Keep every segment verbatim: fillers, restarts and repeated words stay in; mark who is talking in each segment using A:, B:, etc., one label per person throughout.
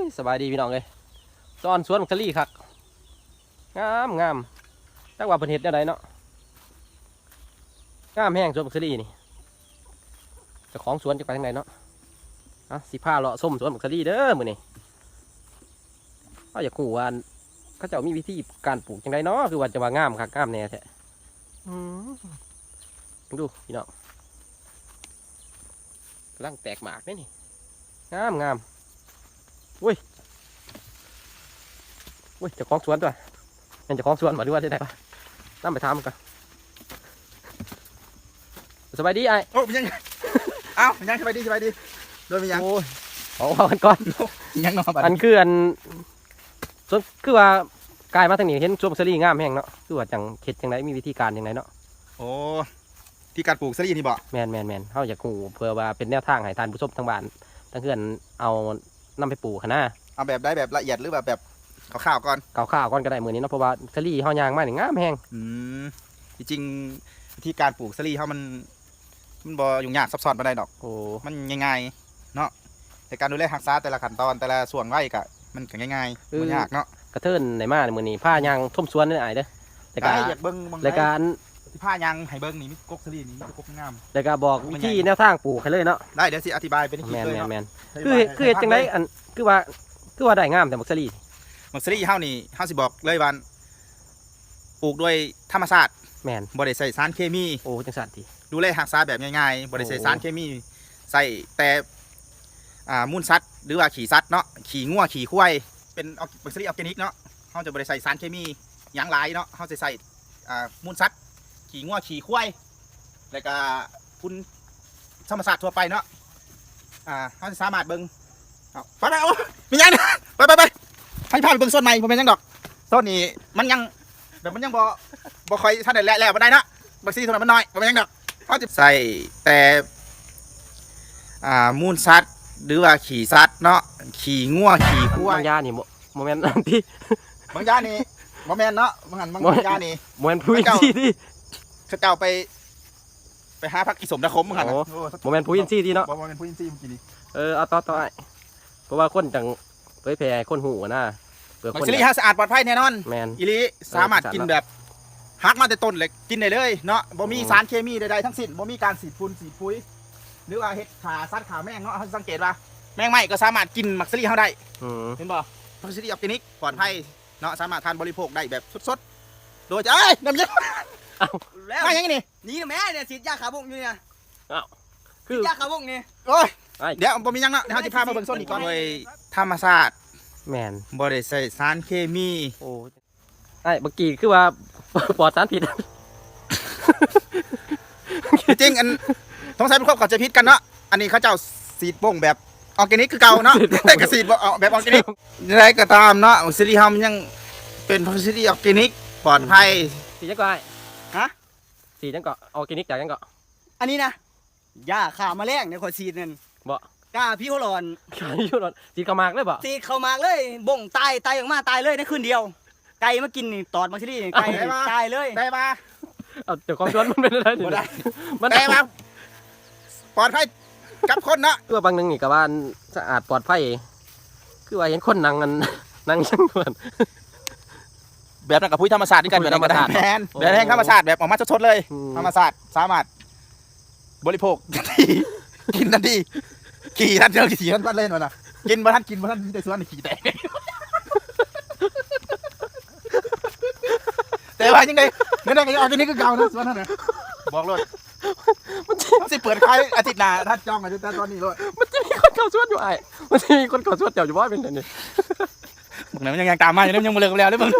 A: สบายดีพี่น้องเลยตอนสวนสลีคักงามงามตั้งว่าเพิ่นเฮ็ดได้ไดเนาะงามแห้งสวนสลีนี่เจ้าของสวนจะไปทางไหนเนาะอ่ะสิพาเลาะส้มสวนสลีเด้อมื้อนี้เขาอยากรู้ว่าเขาเจ้ามีวิธีการปลูกจังไดเนาะคือว่าจะว่างามคักงามแน่แท้อืมดูพี่น้องกำลังแตกหมากนี่งามงามอุ้ยอุ้ยเจ้าของสวนตัวเป็นเจ้าของสวนมาดูว่าได้ไหนปะนั่งไปทำกันสบายดีไอ้
B: โอ้ยังเอ้ายังสบายดีสบายดีโดยมียัง
A: โอ้ยเอาเอากันก่อน
B: ยังนอน
A: อันคืออันส่วนคือว่ากายมาทางนี้เห็นช่วงสลีงามแห้งเนาะคือว่าจังเข็ดจังไรมีวิธีการจังไรเนาะ
B: โอ้ที่การปลูกสลีนี่บ่
A: แมนแมนแมนเขาอยากกูเพื่อว่าเป็นแนวทางให้ทานผู้ชมทางบ้านทั้งเพื่อนเอานำไปปลูกนะ
B: เอาแบบได้แบบละเอียดหรือแบบแบบข่าวๆก่อน
A: ข่าวข่าวก่อนก็ได้เหมือนนี้เนาะเพราะว่าสลีเขายางมากนี่งามแห้ง
B: อืมจริงๆที่การปลูกสลีเขามันมันบ่ยุ่งยากซับซ้อนปานใดดอก
A: โอ้
B: มันง่ายๆเนาะแต่การดูแลรักษาแต่ละขั้นตอนแต่ละส่วนไว้ก็มันก็ง่ายๆบ่ยากเนาะ
A: กระเทินในมาในมือนี้ผ้ายางท่มสวนนี่ไอ้เด้อ
B: แต่การอยากเบิ้ง
A: รายการ
B: ที่ผ้ายางให้เบิ้งนี่มีกกสลีนี่มีกกงาม
A: รายการบอกวิธีแนวทางปลูกให้เลยเนาะ
B: ได้เดี๋ยวสิอธิบายเป็นคลิปเลยเนาะ
A: แมนคือคือจังไรอันคือว่าคือว่าได้งามแต่มักสลี
B: มักสลีเฮานี่เฮาสิบอกเลยว่าปลูกด้วยธรรมชาติ
A: แมน
B: บ่ได้ใส่สารเคมี
A: โอ้จังสันที
B: ดูแลรักษาแบบง่ายๆบ่ได้ใส่สารเคมีใส่แต่อ่ามูลสัตว์หรือว่าขี้สัตว์เนาะขี้งัวขี้ควายเป็นมักสลีออร์แกนิกเนาะเฮาจะบ่ได้ใส่สารเคมีหยังหลายเนาะเฮาจะใส่อ่ามูลสัตว์ขี้งัวขี้ควายแล้วก็คุณธรรมชาติทั่วไปเนาะอ่าเฮาจะสามารถเบิ่งเอาไปไปโอ้มีหยังไปไปไปให้พาไปเบิ่งต้นใหม่บ่แม่นหยังดอกต้นนี้มันยังแบบมันยังบ่บ่ค่อยทันได้แล้วบ่ได้เนาะบักซี่ต้นนั้นมันน้อยบ่แม่นหยังดอกเฮาจะใส่แต่อ่ามูลสัตว์หรือว่าขี้สัตว์เนาะขี้งัวขี้ควาย
A: บางยานี่โมเมนต์ที่
B: บางยานี่บ่แม่นเนาะบางหันบางยานี่
A: โมเมนต์พูดที่ที่
B: เขาเจ้าไปไปหาพักอิสมนะคมบางหัน
A: โมเมนต์พูดที่ที่เนาะ
B: บ่แม่นพูดที่เมื่อกี้นี้
A: เออเอาต่อต่อไอ้เพราะว่าคนจังเผยแพร่คนหูนะ
B: เปลือกคนสิริฮะสะอาดปลอดภัยแน่นอน
A: แมน
B: อีลีสามารถกินแบบฮักมาแต่ต้นเลยกินได้เลยเนาะบ่มีสารเคมีใดๆทั้งสิ้นบ่มีการสีดฝุ่นสีดปุ๋ยหรือว่าเห็ดขาสัตว์ขาแมงเนาะเขาสังเกตว่าแมงไหม้ก็สามารถกินมักซิลี่เขาได้เห็นบ่มักซิลี่ออร์แกนิกปลอดภัยเนาะสามารถทานบริโภคได้แบบสดๆโดยจะเอ้ยน้ำเย็นแล้วมาอย่างนี้
C: นี่แม่เนี่ยฉีดยาขาบุกอยู่เนี่ย
A: อ้าว
C: คือยาขาบุกนี่
B: โอ้ยเดี๋ยวบ่มียังเนาะเดี๋ยวเขาจะพามาเบิ่งส้นอีกก่อนโดยธรรมชาติ
A: แมน
B: บ่ได้ใส่สารเคมี
A: โอ้ไอ้เมื่อกี้คือว่าปลอดสารพิษ
B: จริงอันต้องใช้เป็นครอบเข้าใจผิดกันเนาะอันนี้เขาเจ้าสีดบ่งแบบออร์แกนิกคือเก่าเนาะแต่กระสีดแบบออร์แกนิกอะไรก็ตามเนาะซิลิฮัมยังเป็นพัสดุออร์แกนิกปลอดภัย
A: สีจังก็ไอ้
C: ฮะ
A: สีจังก็ออร์แกนิกจากจังก็
C: อันนี้นะยาขาแมลงในขวดซีดนั่น
A: บ่
C: กาพี่เขาหลอน
A: พี่เขาหลอนสีขมากเลยบ่
C: สีขมากเลยบ่งตายตายออกมาตายเลยในคืนเดียวไก่มากินนี่ตอดมาซิลี่ไก่ตายเลย
B: ได้ปะ
A: เอาเดี๋ยวความร้อนมันเป็นอะไรนี่
B: มันได้ปะปลอดภัยกับคนเนาะ
A: ตัวบางหนึ่งนี่กับว่าสะอาดปลอดภัยคือว่าเห็นคนนั่งกันนั่งช่างด่วน
B: แบบนั้นกับพุ้ยธรรมศาสตร์นี่กันแบบธรรมศาสตร์แทนแบบแห่งธรรมศาสตร์แบบออกมาสดๆเลยธรรมศาสตร์สามารถบริโภคทันทีกินทันทีขี่ทันเดียวขี่ทันบ้านเล่นวะนะกินบ้านกินบ้านมีแต่ส่วนขี่แต่แต่ว่ายังไงเนี่ยนี่ออร์แกนิกก็เก่านะส่วนนั้นนะบอกเลยมันจะเปิดขายอาทิตย์หน้าถ้าจองอาทิตย์ตอนนี้เลย
A: มันจะมีคนเก่าส่วนอยู่ไอ้มันจะมีคนเก่าส่วนเจ้าอยู่บ้านเป็นไงเนี่ย
B: มึงยังยังตามมาอยู่นี่ยังมาเลิกแล้วเลยมึง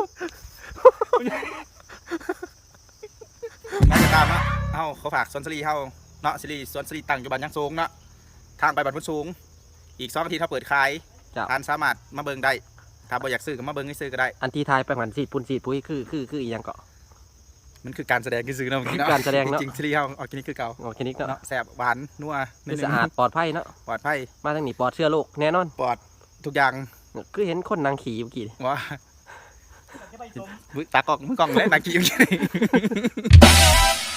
B: น่าจะตามนะเอ้าเขาฝากสวนสลีเฮาเนาะสลีสวนสลีตั้งอยู่บ้านยังสูงเนาะทางไปบ้านพุ่นสูงอีกสองอาทิตย์ถ้าเปิดขายทานสามารถมาเบิ่งได้ถ้าบ่อยากซื้อก็มาเบิ่งให้ซื้อก็ได้
A: อันที่ทายไปเหมือนสีปุ่นสีปุ้ยคือคือคืออีกอย่างเกาะ
B: มันคือการแสดงคือซื้อเนาะ
A: การแสดงเนาะ
B: จริงสลีเฮาออร์แกนิกคือเก่า
A: ออร์แกนิกเนาะ
B: แซ่บหวานนัว
A: สะอาดปลอดภัยเนาะ
B: ปลอดภัย
A: มาทางนี้ปลอดเชื้อโรคแน่นอน
B: ปลอดทุกอย่าง
A: คือเห็นคนนางขี่เมื่อกี้
B: ว่าตากล้องมึงกล้องเลยนางขี่เมื่อกี้